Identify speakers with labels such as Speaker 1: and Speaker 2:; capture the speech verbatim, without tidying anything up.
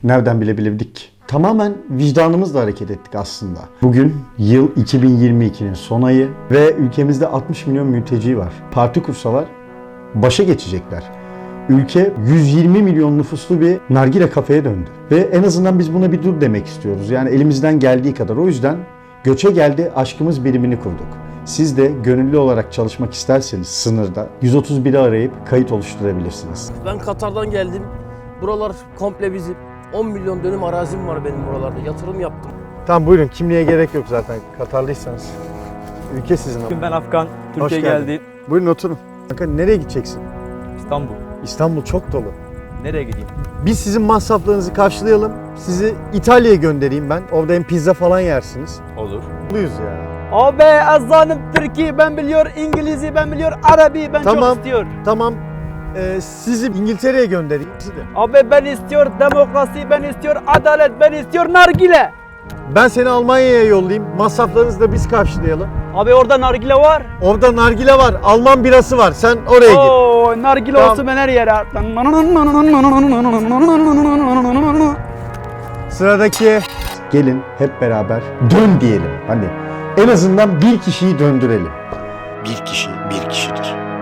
Speaker 1: Nereden bilebilirdik ki? Tamamen vicdanımızla hareket ettik aslında. Bugün yıl iki bin yirmi ikinin son ayı ve ülkemizde altmış milyon mülteci var. Parti kursalar başa geçecekler. Ülke yüz yirmi milyon nüfuslu bir nargile kafeye döndü. Ve en azından biz buna bir dur demek istiyoruz. Yani elimizden geldiği kadar. O yüzden Göçe Geldi Aşkımız birimini kurduk. Siz de gönüllü olarak çalışmak isterseniz sınırda yüz otuz biri arayıp kayıt oluşturabilirsiniz.
Speaker 2: Ben Katar'dan geldim. Buralar komple bizim. on milyon dönüm arazim var benim buralarda. Yatırım yaptım.
Speaker 1: Tamam buyurun, kimliğe gerek yok zaten Katarlıysanız. Ülke sizin ama.
Speaker 3: Ben Afgan,
Speaker 1: Hoş
Speaker 3: Türkiye
Speaker 1: geldin.
Speaker 3: geldi.
Speaker 1: Buyurun oturun. Kanka nereye gideceksin?
Speaker 3: İstanbul.
Speaker 1: İstanbul çok dolu.
Speaker 3: Nereye gideyim?
Speaker 1: Biz sizin masraflarınızı karşılayalım. Sizi İtalya'ya göndereyim ben. Orada hem pizza falan yersiniz.
Speaker 3: Olur.
Speaker 1: Mutluyuz ya.
Speaker 3: Abi azanım Türkiye ben biliyor, İngilizce ben biliyor, Arabi ben
Speaker 1: Tamam.
Speaker 3: çok istiyor.
Speaker 1: Tamam. Ee, sizi İngiltere'ye göndereyim. Sizi de.
Speaker 3: Abi ben istiyor demokrasi, ben istiyor adalet, ben istiyor nargile.
Speaker 1: Ben seni Almanya'ya yollayayım. Masraflarınızı da biz karşılayalım.
Speaker 3: Abi orada nargile var.
Speaker 1: Orada nargile var. Alman birası var. Sen oraya git.
Speaker 3: Oo, nargile
Speaker 1: Tamam.
Speaker 3: olsun ben her yere.
Speaker 1: Sıradaki. Gelin hep beraber dön diyelim. Hani en azından bir kişiyi döndürelim. Bir kişi bir kişidir.